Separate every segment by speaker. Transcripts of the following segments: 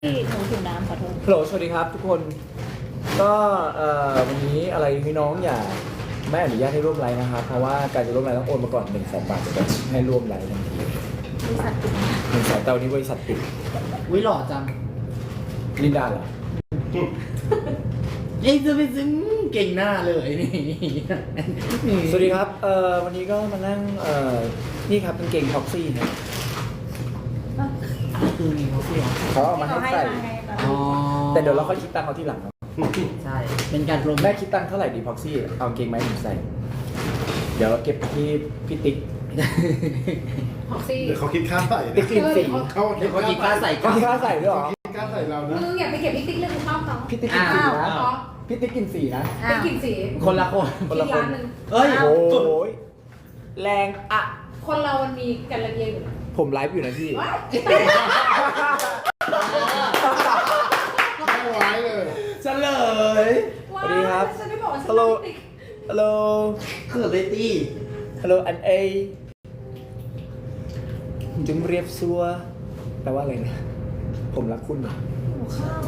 Speaker 1: ที่หนูหิวน้ำขอโทษ
Speaker 2: ฮัลโหลสวัสดีครับทุกคนก็วันนี้อะไรพี่น้องอย่าไม่อนุญาตให้ร่วมไลฟ์นะครับเพราะว่าการจะร่วมไลฟ์ต้องโอนมาก่อน100,000 บาทถึงจะให้ร่วมไลฟ์ทันที
Speaker 1: บริษัทปิด
Speaker 2: 100,000แต่วันนี้บริษัทปิด
Speaker 3: วิหล่อจัง
Speaker 2: ลินดาเหรอ
Speaker 3: เอ้ยจะไปซึ้งเก่งหน้าเลยนี่
Speaker 2: สวัสดีครับวันนี้ก็มานั่งนี่ครับเป็นเกงท็อกซี่นะ
Speaker 3: คือมีเขาเสีย
Speaker 2: เขาเอามาให้ใส่
Speaker 3: อ๋อ
Speaker 2: แต่เดี๋ยวเราค่อยคิดตังค์เขาทีหลังเนาะ
Speaker 3: ใช่เป็นการโปรโม
Speaker 2: แม่
Speaker 3: ท
Speaker 2: คิดตังค์เท่าไหร่ดีพ็อกซี่เอาเกงไหมผมใส่เดี๋ยวเราเก็บที่พี่ติ๊ก
Speaker 1: ฮอกซี่
Speaker 4: เดี๋ยวเขาคิดค่าใส่
Speaker 2: ติ๊กกลินสี
Speaker 4: เขา
Speaker 3: เดี๋ยวเขาคิดค่าใส่
Speaker 2: ก็ที่ค่าใส่ด้วยเหรอ
Speaker 4: คิดค่าใส่เรานะ
Speaker 1: มึงอย่าไปเก็บพี่ติ๊กเรื่องชอบเขา
Speaker 2: พี่ติ๊กกินสีนะพี่ติ๊กกินสีนะ
Speaker 1: ติ๊กกินสี
Speaker 3: คนละคน
Speaker 2: คนละคน
Speaker 1: อีกร้านหนึ่ง
Speaker 3: เอ้ย
Speaker 2: โอ้ยแรงอะ
Speaker 1: คนเรามันมีกันละเอียดอยู่นะ
Speaker 2: ผมไลฟ์อยู่นะพี่
Speaker 1: ว้าย
Speaker 4: ไม่ไหวเลย
Speaker 3: เฉลย
Speaker 2: สวัสดีครับ
Speaker 1: ฉันไม่บอกว่าฉัน
Speaker 2: ฮัลโหล
Speaker 1: ติ๊ก
Speaker 2: ฮัลโหล
Speaker 3: คือเลยตี้
Speaker 2: ฮัลโหลอันเอจุงเรียบซัวแปลว่าอะไรนะ ผมรักคุณเหรอ
Speaker 1: หัวข้าว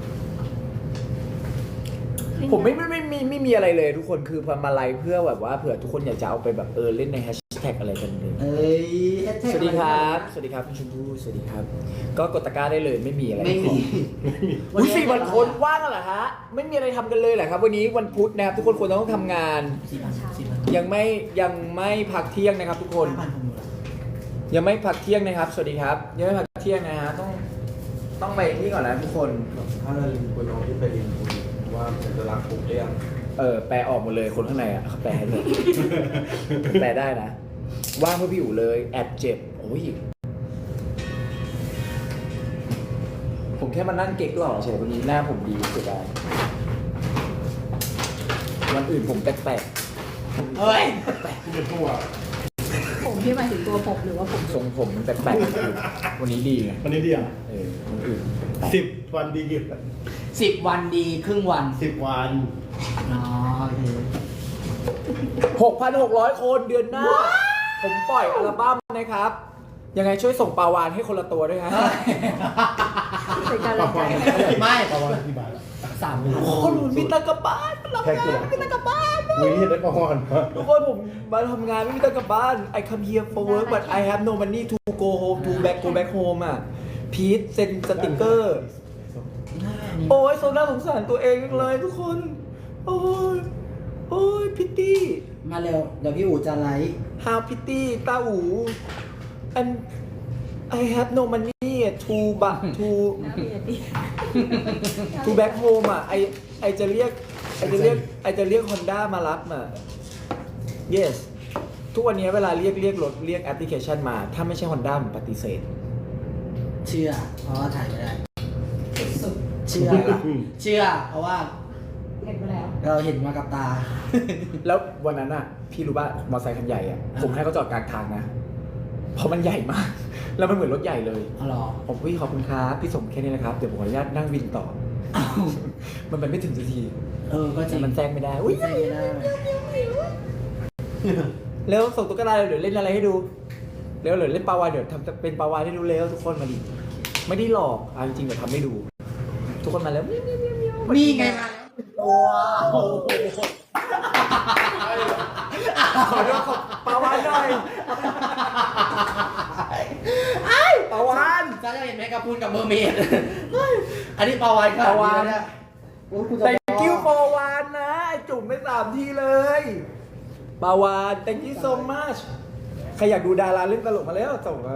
Speaker 2: ผมไม่มีอะไรเลยทุกคนคือพอมาไลฟ์เพื่อแบบว่าเผื่อทุกคนอยากจะเอาไปแบบเล่นในแฮชแท็กอะไรกันเลย
Speaker 3: เอ้ยแฮชแท็ก
Speaker 2: สวัสดีครับ สวัสดีครับคุณชมพู่สวัสดีครับ ก็กดตะกร้าได้เลยไม่มีอะไร
Speaker 3: ไม่มี
Speaker 2: อุ้ย4 วันคนว่างกันเหรอฮะ ไม่มีอะไรทำกันเลยเหรอครับ วันนี้วันพุธนะครับทุกคนควรต้องทำงาน
Speaker 3: 4,000
Speaker 2: ยังไม่พักเที่ยงนะครับ ทุกคน
Speaker 3: 5,000ผมรู้แล้ว
Speaker 2: ยังไม่พักเที่ยงนะครับ สวัสดีครับ ยังไม่พักเที่ยงนะฮะต้องไปนี่ก่อนนะทุกคน
Speaker 4: ถ้าเราลิงคุณน้องที่ไปลิงคุณว่าจะรักผมได้ยัง
Speaker 2: แปลออกหมดเลยคนข้างในอ่ะเขาแปลให้เลย แปลได้นะ ว่างเพื่อพี่อยู่เลยแอบเจ็บโอ้ยผมแค่มานั่งเก๊กหล่อเฉยวันนี้หน้าผมดีสุดได้วันอื่นผมแปลก
Speaker 3: เฮ้ย
Speaker 4: ที่เป็นตัว
Speaker 1: ผมที่หมายถึงตัวผมหรือว่าผม
Speaker 2: ๆทรงผมมันแปลกๆวันนี้ดีไง
Speaker 4: วันนี้เดียว
Speaker 2: วันอื่นแปลก
Speaker 4: 10 วันดีกี่
Speaker 3: 10 วันดีครึ่งวัน
Speaker 4: 10 วัน
Speaker 3: อ๋อโอเค
Speaker 2: 6,600 คนเดือนหน้า ผมปล่อยอัลบั้มนะครับ ยังไงช่วยส่งปลาวานให้คนละตัวด้วยฮะ
Speaker 1: เป็นการ
Speaker 4: ป
Speaker 1: รั
Speaker 4: ระ
Speaker 1: งใจ
Speaker 4: มาณ
Speaker 3: ไม่
Speaker 4: ประมาณกี่บาท
Speaker 2: คนหนุนมีตังค์กลับบ้านเรา
Speaker 4: แค่กี่บาท
Speaker 2: มีตังค์กลับบ้าน
Speaker 4: วิ่งได้ประมาณ
Speaker 2: ทุกคนผมมาทำงานไม่มีตังค์กลับบ้าน I come here for work but I have no money to go home to go back home อ่ะพีทเซ็นสติกเกอร์ โอ้ยโซน่าสงสารตัวเองจังเลยทุกคน โอ้ยพิตตี้
Speaker 3: มาเร็วเดี๋ยวพี่อู๋จะไลฟ์
Speaker 2: How pity ตาอู and I have no money to back to back home อ่ะไอจะเรียก Honda มารับอ่ะ yes ทุกวันนี้เวลาเรียกรถเรียกแอปพลิเคชันมา ถ้าไม่ใช่ Honda ผมปฏิเสธ
Speaker 3: เชื่อ เพราะว่าถ่ายไม่ได้
Speaker 1: สุด
Speaker 3: เชื่อ เชื่อ เพราะว่า
Speaker 1: เห็นไปแล้ว
Speaker 3: เราเห็นมากับตา
Speaker 2: แล้ววันนั้นอ่ะ พี่รู้ป่ะมอเตอร์ไซค์คันใหญ่อ่ะ ผมให้เขาจอดกลางทางนะ เพราะมันใหญ่มาก แล้วมันเหมือนรถใหญ่เลย
Speaker 3: อ๋อเหรอ
Speaker 2: ผมพี่ขอบคุณครับพี่ส่งแค่นี้นะครับ เดี๋ยวผมขออนุญาตนั่งวินต่อ
Speaker 3: อ้าว
Speaker 2: มันไปไม่ถึงสักที
Speaker 3: ก็จริง
Speaker 2: มันแซงไม่ได้อุ้ย
Speaker 3: ใช่ไม่ได้
Speaker 2: แล้วส่งตุ๊กตาเดี๋ยวเล่นอะไรให้ดูเร็วเดี๋ยวเล่นปลาวานเดี๋ยวทำเป็นปลาวานให้ดูเร็วทุกคนมาดิไม่ได้หลอกเอาจริงๆเดี๋ยวทำให้ดู ทุกคนมาแล้ว
Speaker 3: นี่ไงมาว้าว
Speaker 2: ขอดูขอปลาวานหน่อยปลาวาน
Speaker 3: จ้าจะเห็นแมกกาพูนกับเมอร์เมดอันนี้ปลาวานค่ะ
Speaker 2: ปลาวาฬ
Speaker 3: เนี่ยโอ้ยกูจะ
Speaker 2: thank you ปลาวานนะไอ้จุ่มไป3 ทีเลยปลาวาน thank you so much ใครอยากดูดาราเล่นตลกมาแล้วส่งมา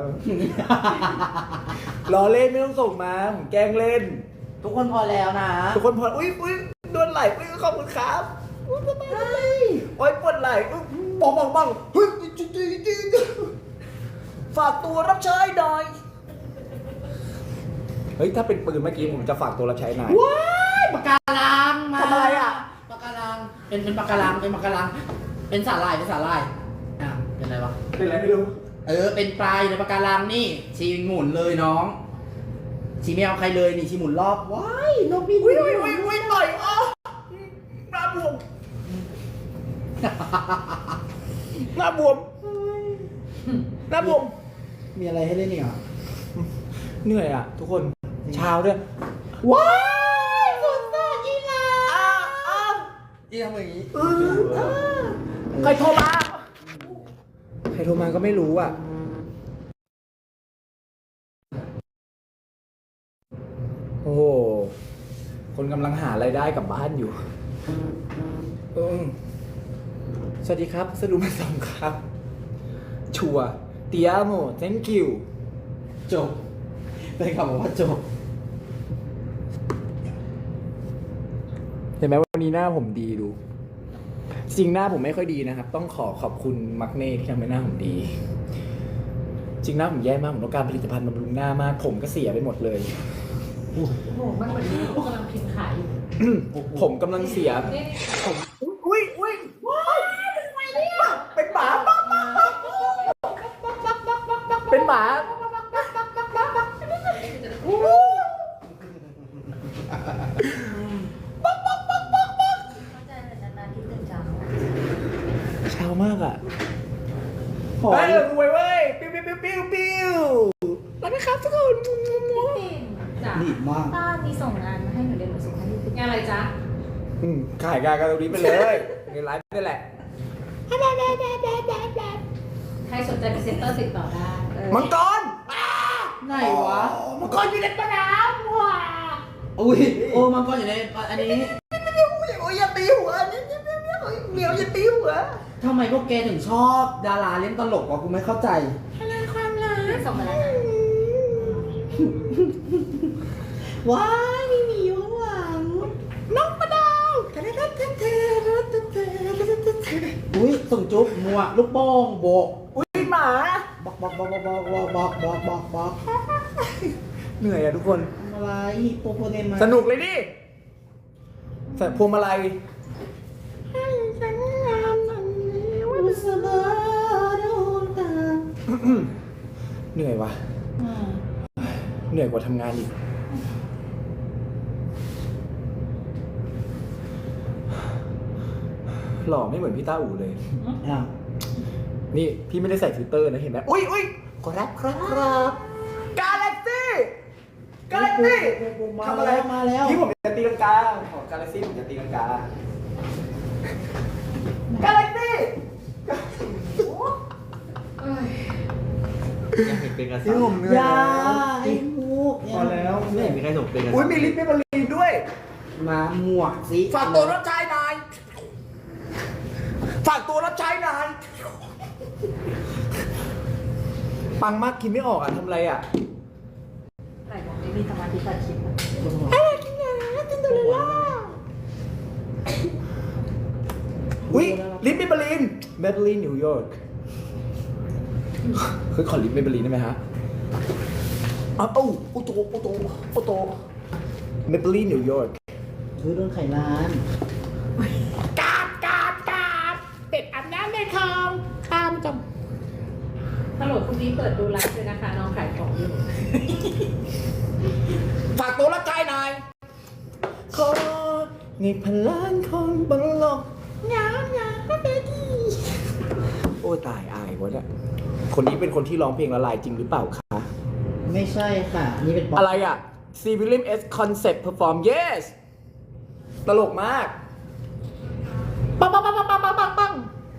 Speaker 2: ล้อเล่นไม่ต้องส่งมาผมแกล้งเล่น
Speaker 3: ทุกคนพอแล้วนะ
Speaker 2: ทุกคนพออุ้ยโดนไหล่อุ้ยขอบคุณครับอุ้ยสบายโอ้ยปวดไหล่อุ้ยบังเฮ้ยจริงฝากตัวรับใช้หน่อยเฮ้ยถ้าเป็นปืนเมื่อกี้ผมจะฝากตัวรับใช้นาย
Speaker 3: ว้ายปากการังมา
Speaker 2: ทำอะไรอ่ะ
Speaker 3: ปากการังเป็นปากการังเป็นสาหร่ายอ่ะเป็นอะไรวะ
Speaker 2: เป็นอะไรไม่รู้
Speaker 3: เป็นปลายในปากการังนี่ชีหมุนเลยน้องชีไม่เอาใครเลยนี่ชีหมุนรอบว้ายนกบิน
Speaker 2: อุ้ยหน่อยอ๋อหน้าบวมหน้าบวม
Speaker 3: มีอะไรให้เล่นอีกอ่ะ
Speaker 2: เหนื่อยอ่ะทุกคนเช้าด้วย
Speaker 3: ว้ายสุดยอดอีลาอีทำอย่างนี้
Speaker 2: ใครโทรมา ใครโทรมาก็ไม่รู้อ่ะ โอ้โห คนกำลังหารายได้กลับบ้านอยู่สวัสดีครับสะดุมาส่งครับ ชัวเตียโม thank you
Speaker 3: จบเป็นคำบอกว่าจบ
Speaker 2: เห็นไหมวันนี้หน้าผมดีดู จริงหน้าผมไม่ค่อยดีนะครับ ต้องขอบคุณมักเน่ที่ทำให้หน้าผมดี จริงหน้าผมแย่มากผมต้องการผลิตภัณฑ์บำรุงหน้ามาก ผมก็เสียไปหมดเลย
Speaker 1: โอ้โหมันเหมือนที่กำลังพิมพ์ขายอยู่
Speaker 2: ผมกำลังเสีย
Speaker 1: นี่
Speaker 2: ผมอุ้ยว้ายเป็นหมาเป็นหมา เช้ามากอ่ะ
Speaker 3: ขอ
Speaker 2: เฮ้ยรวยเว้ย ปิ้วแล้วนะครับทุกคน
Speaker 1: จ้ะ
Speaker 3: ดีมาก
Speaker 5: ป้ามีส่งงานมาให้หนูเรียนหนูส่งให้พี่
Speaker 1: งานอะไรจ๊ะ
Speaker 2: ขายงานกันตรงนี้ไปเลยเงินไลฟ์นี่แหละ
Speaker 1: ใครสนใจพรีเซนเตอร์ติดต่อได้
Speaker 2: มังกร
Speaker 3: ไหนวะ
Speaker 2: มังกรอยู่ในปน้ำว้า
Speaker 3: อุ้ยโอ้มังกรอยู่ในอันนี้
Speaker 2: โอ้ยอย่าตีหัวนี่เหมียวอย่าตีหัว
Speaker 3: ทำไมพวกแกถึงชอบดาราเล่นตลกวะกูไม่เข้าใจ
Speaker 5: ส่งมาแล้วนะ
Speaker 3: ว้ายมีหมีอยู่ข้างหลัง
Speaker 2: น้องปะดาว
Speaker 3: อุ้ยส่งจุ๊บมัวลูกโป่งโบก
Speaker 2: อุ้ยหมา
Speaker 3: บอก
Speaker 2: เหนื่อยอะทุกคน
Speaker 3: อะไรโปโปเนมา
Speaker 2: สนุกเลยดิใส่พวงมาลัย
Speaker 3: อุสบาโดนตา
Speaker 2: เหนื่อยวะเหนื่อยกว่าทำงานอีก หล่อไม่เหมือนพี่ต้าอู่เลย
Speaker 3: อ้าว
Speaker 2: นี่พี่ไม่ได้ใส่ฟิลเตอร์นะเห็นไหมอุ้ยครับกาแล็กซี่ทำอะไร
Speaker 3: มาแล้ว
Speaker 2: พี่ผมจะตีลังกาของกาแล็กซี่ผมจะตีลังกากาแล็กซี่
Speaker 4: ยังเห็นเป็นกระ
Speaker 2: ที่
Speaker 4: สับ
Speaker 2: ผมเหนื่อย
Speaker 3: ยา
Speaker 2: แล้ว
Speaker 3: ไอ้มุก
Speaker 4: พอแล้วไม่เห็นมีใครส่งเป็นกระสับ
Speaker 2: อุ้ยมีลิปเปเปอร์ลีนด้วย
Speaker 3: มาหมวกสิ
Speaker 2: ฝากตัวรับใช้นายฝากตัวรับใช้นายปังมากกินไม่ออกอ่ะทำอะไรอ่ะ
Speaker 1: ไหนบอกไม่มีสมาธิตัดคลิปอะ
Speaker 2: อุ้ยลิปเมเบลีนนิวยอร์กคือขอลิปเมเบลีนได้ไหมฮะอ้าวโอโตเมเบลีนนิวยอร์ก
Speaker 3: คือโดนไขร้าน
Speaker 2: กาบเป็ดอาบน้ำในคลองตามจม
Speaker 1: ฮัลโหลพรุ่งนี้เปิดดูไลฟ์ด้วยนะคะน้องขายของอยู่
Speaker 2: ฝากตัวรับใช้นายขอนี่พลังของบังลกงามเบบี้โอ้ตายอายวะเนี่ยคนนี้เป็นคนที่ร้องเพลงละลายจริงหรือเปล่าคะ
Speaker 3: ไม่ใช่ค่ะ นี่เป็นป๊อป
Speaker 2: อะไรอ่ะ C William S Concept Perform Yes ตลกมากปัง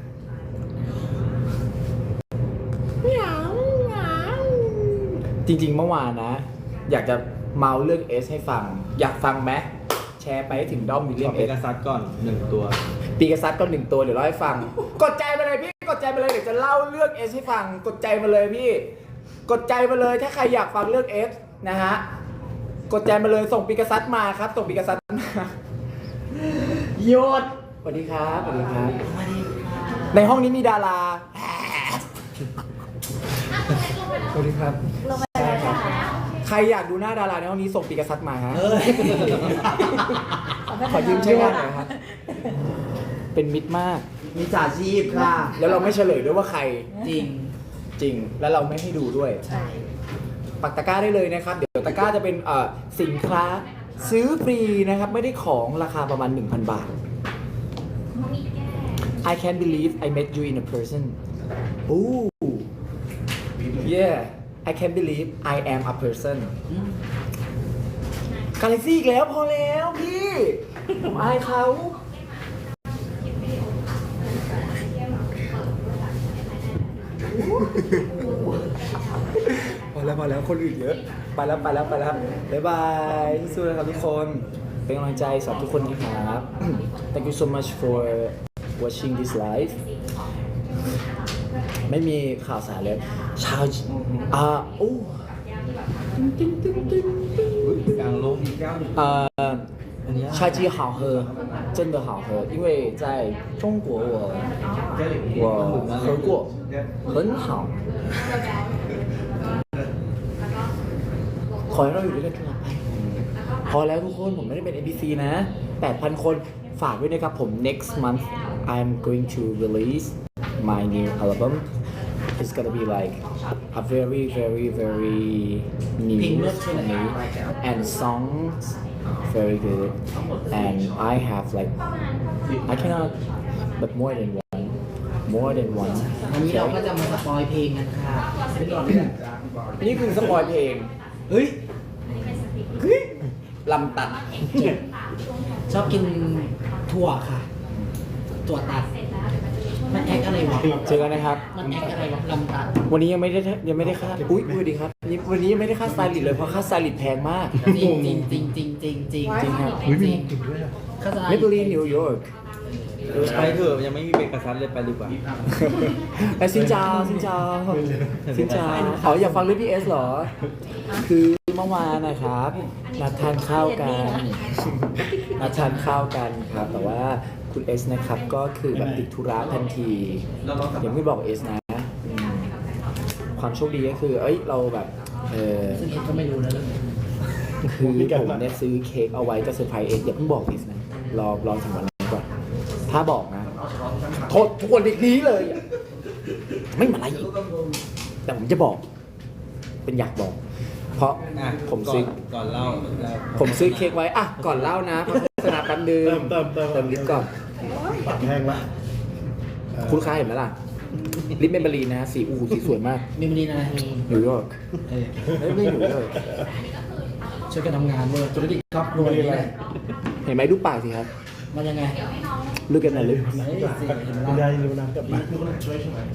Speaker 2: จริงๆเมื่อวานนะ อยากจะเมาเรื่อง S ให้ฟัง อยากฟังไหมแชร์ไปให้ถึงด้อมวิลเลีย
Speaker 4: ขอ
Speaker 2: ม
Speaker 4: เป็
Speaker 2: เอน
Speaker 4: กระสับก่อน1 ตัว
Speaker 2: ปีกษัตริย์ก็1 ตัวเดี๋ยวเล่าให้ฟัง กดใจมาเลยพี่กดใจมาเลยเดี๋ยวจะเล่าเรื่อง S ให้ฟัง กดใจมาเลยพี่ กดใจมาเลยถ้าใครอยากฟังเรื่อง S นะฮะกดใจมาเลยส่งปีกษัตริย์มาครับส่งปีกษัตริย์มาหยุดสวัสดีครับสวัสดีครับ ในห้องนี้มีดาราสวัสดีครับ
Speaker 5: ลงไปแล้วค่ะ
Speaker 2: ใครอยากดูหน้าดาราในห้องนี้ส่งปีกษัตริย์มาฮะ
Speaker 3: เอ้ย
Speaker 2: ขอยืมใช้งานหน่อยครับ เป็นมิตรมาก
Speaker 3: มีจ่าชีพค่ะ
Speaker 2: แล้วเราไม่เฉลยด้วยว่าใคร
Speaker 3: จริง
Speaker 2: จริง แล้วเราไม่ให้ดูด้วย
Speaker 5: ใช่
Speaker 2: ปักตะกร้าได้เลยนะครับ เดี๋ยวตะกร้าจะเป็นสินค้าซื้อฟรีนะครับ ไม่ได้ของราคาประมาณ 1,000 บาท I can't believe I met you in a person Ooh yeah I can't believe I am a person กาแล็กซี่อีกแล้วพอแล้วพี่ ผมอายเขาพอแล้วคนอื่นเยอะ ไปแล้วบ๊ายบายสู้ๆนะครับทุกคนเป็นกำลังใจสำหรับทุกคนนะครับ Thank you so much for watching this live ไม่มีข่าวสารเลยชาวโอ้
Speaker 4: กลางลงอีก9
Speaker 2: 呃，菜鸡好喝，真的好喝，因为在中国我喝过，很好。ขอให้เราอยู่ด้วยกันตลอดไปพอแล้วทุกคนผมไม่ได้เป็น NPC นะ 8,000 คนฝากด้วยนะครับผม next month I'm going to release my new album it's gonna be like a very new for me and songs very good and I have like I cannot but more than one
Speaker 3: วันนี้เราก็จะมาสปอยเพลงกันค่ะไม่ก่อนเลย
Speaker 2: นี่คือสปอยเพลง
Speaker 3: เฮ้ย
Speaker 2: ลำตัด
Speaker 3: ชอบกินถั่วค่ะ ถั่วตัด มันแอคอะไรวะ
Speaker 2: เจอกันนะครับ
Speaker 3: มันแอคอะไรวะลำตัด
Speaker 2: วันนี้ยังไม่ได้ค่าอุ้ยสวัสดีครับวันนี้ยังไม่ได้ค่าสไตลิสต์เลยเพราะค่าสไตลิสต์แพงมาก
Speaker 3: จริง
Speaker 2: ครับ
Speaker 3: เข้าใจ
Speaker 2: เมเบลีนนิวยอร์ก
Speaker 4: ไปเถอะยังไม่มีเบรกกระซัดเลยไปดีกว่า
Speaker 2: ไปซินจาอ๋ออยากฟังเรื่องพี่เอสเหรอ คือเมื่อวานนะครับนัดทานข้าวกันครับแต่ว่าคุณเอสนะครับก็คือแบบติดธุระทันทียังไม่บอกเอสนะความโชคดีก็คือเราแบบ
Speaker 3: ซึ่งเอ็ดก็ไม่รู้นะเรื่องนี้
Speaker 2: คือผมเนี่ยซื้อเค้กเอาไว้จะเซอร์ไพรส์เอสอย่าเพิ่งบอกเอสนะรอถึงวันนั้นก่อนถ้าบอกนะโทษทุกคนนี้เลยไม่มาอะไรอีกแต่ผมจะบอกเป็นอยากบอก เพราะผมซื้อ
Speaker 4: ก่อนเล่า
Speaker 2: ผมซื้อเค้กไว้อ่ะก่อนเล่านะเพราะโฆษณาแป๊บนึงเติมลิปก่อน
Speaker 6: ปากแห้งละ
Speaker 2: คุณลูกค้าเห็นไหมล่ะลิปเมมเบอรีนนะสีสวยมาก
Speaker 3: มีมันดีนะมี
Speaker 2: นิวยอร์กไม่นิวยอร์ก
Speaker 3: ช่วยกันทำงานเลยธุรกิจครอบครัวนี่แหละ
Speaker 2: เห็นไหมดูปากสิครับ
Speaker 3: มันยังไง
Speaker 2: Look at my lips
Speaker 6: คุณยายรู้นะกับมาช่วยใช่ไหม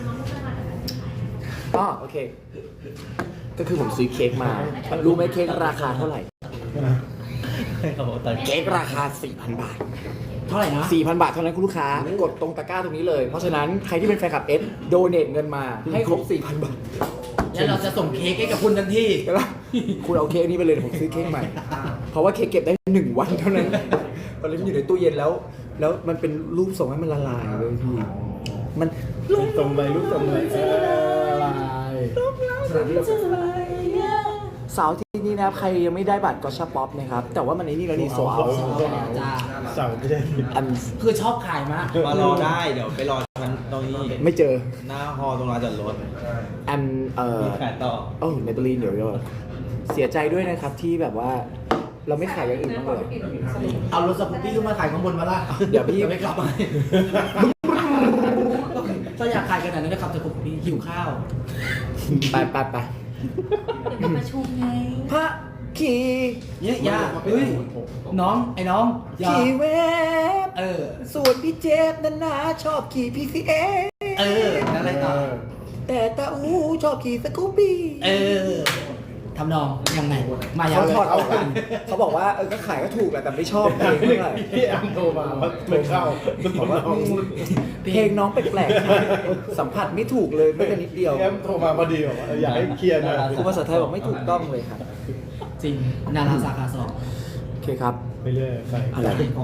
Speaker 2: อ๋อโอเค ก็คือผมซื้อเค้กมา รู้ไหมเค้กราคาเท่าไหร่ เค้กราคา 4,000 บาท
Speaker 3: เท่าไหร่นะ
Speaker 2: 4,000 บาทเท่านั้นคุณลูกค้ากดตรงตะกร้าตรงนี้เลย เพราะฉะนั้นใครที่เป็นแฟนคลับเอสโดเนทเงินมาให้ครบ 4,000 บาท
Speaker 3: แล้วเราจะส่งเค้กให้กับคุณทันที
Speaker 2: แล้วคุณเอาเค้กนี้ไปเลยผมซื้อเค้กใหม่ เพราะว่าเค้กเก็บได้1 วันเท่านั้นตอนนี้มันอยู่ในตู้เย็นแล้วมันเป็นรูปส่งให้มันละลายเลยพี่มัน
Speaker 6: ลูกตรงไหน
Speaker 2: เสาร์ที่นี้นะครับใครยังไม่ได้บัตรก็ชาป๊อปนะครับแต่ว่ามันในนี่แล้วนี่โซเอา
Speaker 3: จ้า
Speaker 6: เสาไม่ได้
Speaker 2: อัน
Speaker 3: คือชอบขายมาก
Speaker 4: มารอได้เดี๋ยวไปรอชั้นตรงนี้
Speaker 2: ไม่เจอ
Speaker 4: หน้าฮอตรงลานจอดรถ
Speaker 2: อัน
Speaker 4: มีขายต่อ
Speaker 2: โอ้เมเบลีนเดี๋ยวเสียใจด้วยนะครับที่แบบว่าเราไม่ขายอย่างอื่นบ้างเลย
Speaker 3: เอารถสกูปปี้ขึ้นมาขายข้างบนมาล่ะ
Speaker 2: เดี๋ยวพี่
Speaker 3: ไม่กลับมาถ้าอยากขายขนาดนั้นนะครับสกูปปี้หิวข้าว
Speaker 2: ไป
Speaker 5: เดี๋ยวมาประชุมไง
Speaker 2: พระขี่
Speaker 3: เนี่ยยาเฮ้ยน้องไอ้น้องอย่า
Speaker 2: ขี่เวฟ
Speaker 3: เออ
Speaker 2: ส่วนพี่เจฟนั้นนะชอบขี่ PCA
Speaker 3: เออแล้วอะไรต่อ
Speaker 2: แต่ตาอูชอบขี่สกูปปี้
Speaker 3: เออทำนองยังไงมายัง
Speaker 2: เขาถอดออกกันเขาบอกว่าก็ขายก็ถูกแหละแต่ไม่ชอบเพลงเท่าไหร่
Speaker 6: พี่แอมโทรมาว่าไม่เข้ามันบอกว่า
Speaker 2: เพลงน้องแปลกๆสัมผัสไม่ถูกเลยไม่แต่นิดเดียว
Speaker 6: พี่แอมโทรมาพอดีบอกว่าอยากให้เคลียร์หน่อย
Speaker 2: ครูภาษาไทยบอกไม่ถูกต้องเลยครับ
Speaker 3: จริงนาราสาขาสอง
Speaker 2: โอเคครับ
Speaker 6: ไปเรื่อยใคร
Speaker 2: อะไร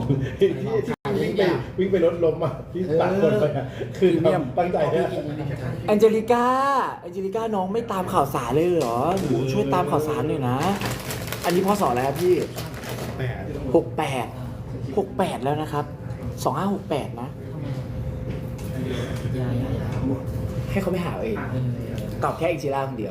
Speaker 6: วิ่งไปรถล้มอ่ะที่ตากคนไปอ่ะคือตั้งใจเนี่ย
Speaker 2: แองเจลิก้าน้องไม่ตามข่าวสารเลยเหรอหนูช่วยตามข่าวสารหน่อยนะ อันนี้พศอะไรครับพี่ 68แล้วนะครับ2568นะให้เขาไปหาเองตอบแค่อิจิราคนเดียว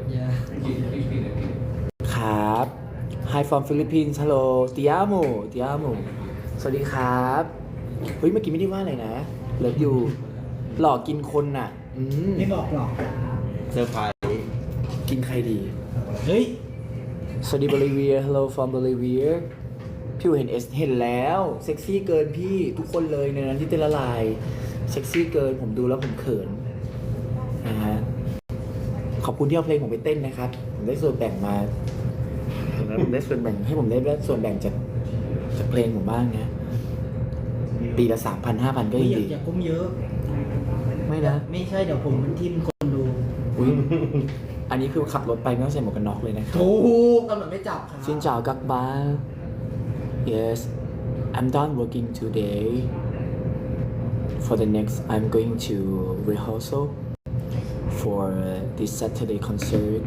Speaker 2: ครับ Hi from Philippines Hello Te amo สวัสดีครับเฮ้ยเมื่อกี้ไม่ได้ว่าอะไรนะเลิฟยูหลอกกินคนน่ะ
Speaker 3: ไม่บอกหรอก
Speaker 4: เซอร์ไพรส์
Speaker 2: กินใครดี
Speaker 3: เฮ้ย
Speaker 2: สวัสดีบริเวีย hello from Bolivia พี่เห็นเห็นแล้วเซ็กซี่เกินพี่ทุกคนเลยในนั้นที่เต้นละลายเซ็กซี่เกินผมดูแล้วผมเขินนะฮะขอบคุณที่เอาเพลงผมไปเต้นนะครับผมได้ส่วนแบ่งมาผมได้ส่วนแบ่งให้ผมได้ส่วนแบ่งจากเพลงผมบ้างนะปีละ 3,000 5,000 ก็ยังดี
Speaker 3: อย่าก้มเยอะ
Speaker 2: ไม่นะ
Speaker 3: ไม่ใช่เดี๋ยวผมมันทิ่มคนดู
Speaker 2: อุ๊ยอันนี้คือขับรถไปไม่ต้องใส่หมวกกันน็อกเลยนะครับ
Speaker 3: ถูกตำรวจไม่จับครับ
Speaker 2: Xin chào các bạn. Yes, I'm done working today. For the next, I'm going to rehearsal for this Saturday concert.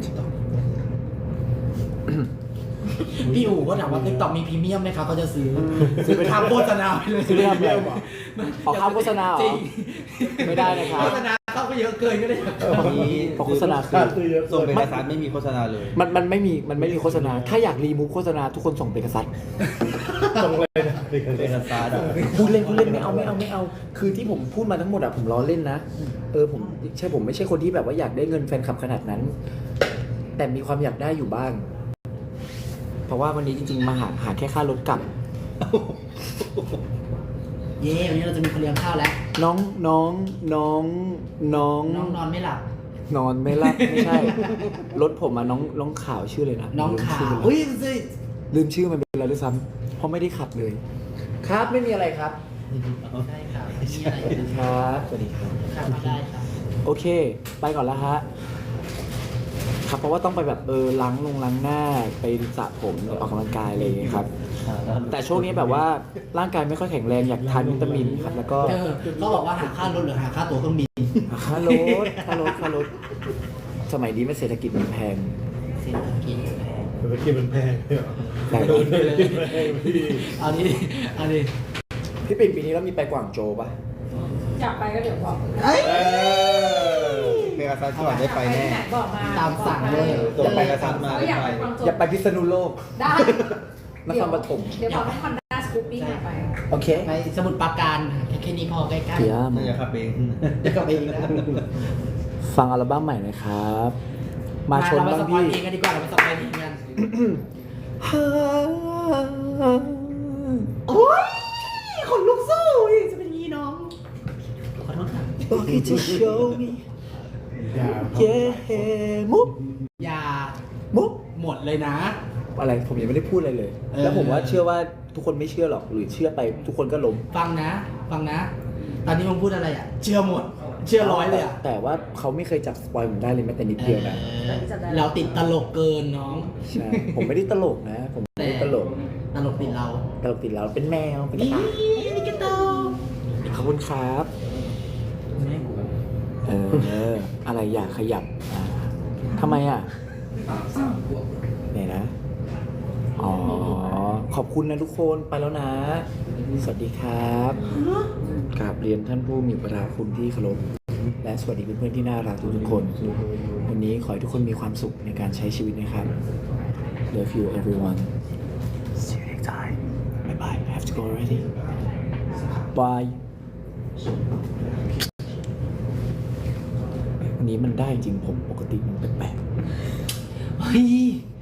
Speaker 3: พี่อู๋ก็ถามว่า TikTok มีพรีเมียมไหมครับเขาจะซื้อไปทำโฆษณาไปเลย
Speaker 2: ซื้อไปทำอะไรออกค่าโฆษณาเหรอ
Speaker 3: จริง
Speaker 2: ไม่ได้นะครับ
Speaker 3: โฆษณาเข้าไปเยอะเกินก็ได้
Speaker 2: เพราะโฆษณาคือ
Speaker 4: ส่งเป็นเอกสารไม่มีโฆษณาเลย
Speaker 2: มันไม่มีโฆษณา ถ้าอยากรีมูฟโฆษณาทุกคนส่งเปกซัส
Speaker 6: ตรงเลยนะ
Speaker 4: เป็นเอกสาร
Speaker 2: พูดเล่นไม่เอา คือที่ผมพูดมาทั้งหมดอะผมล้อเล่นนะ ผมไม่ใช่คนที่แบบว่าอยากได้เงินแฟนคลับขนาดนั้น แต่มีความอยากได้อยู่บ้าง เพราะว่าวันนี้จริงๆมาหาแค่ค่ารถกลับ
Speaker 3: เย้วันนี้เราจะมีคนเลี้ยงข้าวแล้ว
Speaker 2: น้อง
Speaker 3: น้องนอนไม่หลับ
Speaker 2: นอนไม่รับไม่ใช่ รถผมอะน้องขาวชื่อเลยนะ
Speaker 3: น้องขาว
Speaker 2: ลืม
Speaker 3: อุ้ย
Speaker 2: ลืมชื่อมันไปแล้วด้วยซ้ำเพราะไม่ได้ขับเลย ครับไม่มีอะไรครับ
Speaker 3: ใช่ค่ะมีอะไร
Speaker 2: สวัสดีครับสวัสดีครับ
Speaker 3: ครับได้ครับ
Speaker 2: โอเค ไปก่อนแล้วฮะ ครับเพราะว่าต้องไปแบบล้างหน้าไปสระผมออกกำลังกายอะไรอย่างเงี้ยครับ แต่ช่วงนี้แบบว่าร่างกายไม่ค่อยแข็งแรงอยากทานวิตามินครับแล้วก็
Speaker 3: เขาบอกว่าหาค่ารถหรือหาค่าตั๋วเครื่องบิน
Speaker 2: ค่ารถสมัยนี้มันเศรษฐกิจมันแพง
Speaker 3: เศรษฐกิจแพง
Speaker 6: เมื่อกี้มันแพงเนี่ยเหรอ
Speaker 2: แต่
Speaker 6: โดนเลยแพงพี่
Speaker 3: เอาดิเอาดิ
Speaker 2: พี่ปิ่นปีนี้เรามีไปกวางโจวปะ
Speaker 1: อยากไปก็เดี๋ยวบอก
Speaker 4: เป็นเอกสารก่อนได้ไปแน่
Speaker 1: ไหนบอกมา
Speaker 3: ตามสั่งเลย
Speaker 4: ตัวไปเอกสารมา
Speaker 1: ก็
Speaker 4: ได้
Speaker 1: อยาก
Speaker 4: ไป
Speaker 1: ไปฟังโจ
Speaker 2: อย่าไปพิษณุโลก
Speaker 1: ได้
Speaker 2: นครปฐม
Speaker 1: เดี๋ยวบอกให้คอนด้าสกูปปิ้งไป
Speaker 2: โอเค
Speaker 3: ไปสมุทรปราการแค่นี้พอใกล้ๆ
Speaker 2: เดี๋ยว
Speaker 4: น่าจะขับเอง
Speaker 3: เดี๋ยวกลับไปอีกนะ
Speaker 2: ฟังอัลบั้มใหม่หนะครับ มาชน
Speaker 3: เรา
Speaker 2: บ้าง
Speaker 3: ไปสปอย
Speaker 2: พี่
Speaker 3: เพลงกันดีกว่าเราไปสปอยเพลงกันโอ้ยขนลุกสู้อีกจะเป็นงี้น้องขอโทษค่ะ
Speaker 2: Okay to show me
Speaker 6: อย่า
Speaker 2: yeah มุก
Speaker 3: อย่า
Speaker 2: มุก
Speaker 3: หมดเลยนะ
Speaker 2: อะไรผมยังไม่ได้พูดอะไรเลย แล้วผมว่าเชื่อว่าทุกคนไม่เชื่อหรอกหรือเชื่อไปทุกคนก็ล้ม
Speaker 3: ฟังนะ ตอนนี้มึงพูดอะไรอ่ะ เชื่อหมด เชื่อร้อยเลยอ่ะ
Speaker 2: แต่ว่าเขาไม่เคยจับสปอยผมได้เลยแม้แต่นิดเดียวนะ
Speaker 3: เราติดตลกเกินน้อง
Speaker 2: ใช่ ผมไม่ได้ตลกนะ ผมไม่ได้ตลก
Speaker 3: ตลกติดเรา
Speaker 2: ตลกติดแล้วเป็นแมวเป็นกระ
Speaker 3: นี่
Speaker 2: ต่าย
Speaker 3: นี่กระโต
Speaker 2: ขอบคุณครับ
Speaker 3: ไม่กู
Speaker 2: อะไรอยากขยับทำไมอ่ะไหนนะ อ๋อ ขอบคุณนะทุกคนไปแล้วนะ สวัสดีครับกราบเรียนท่านผู้มีประคุณที่เคารพและสวัสดีเพื่อนๆที่น่ารักทุกๆคน วันนี้ขอให้ทุกคนมีความสุขในการใช้ชีวิตนะครับ Love you everyone See you next time Bye bye I have to go already Bye วันนี้มันได้จริงผมปกติมันแปลกๆ
Speaker 3: เฮ้ย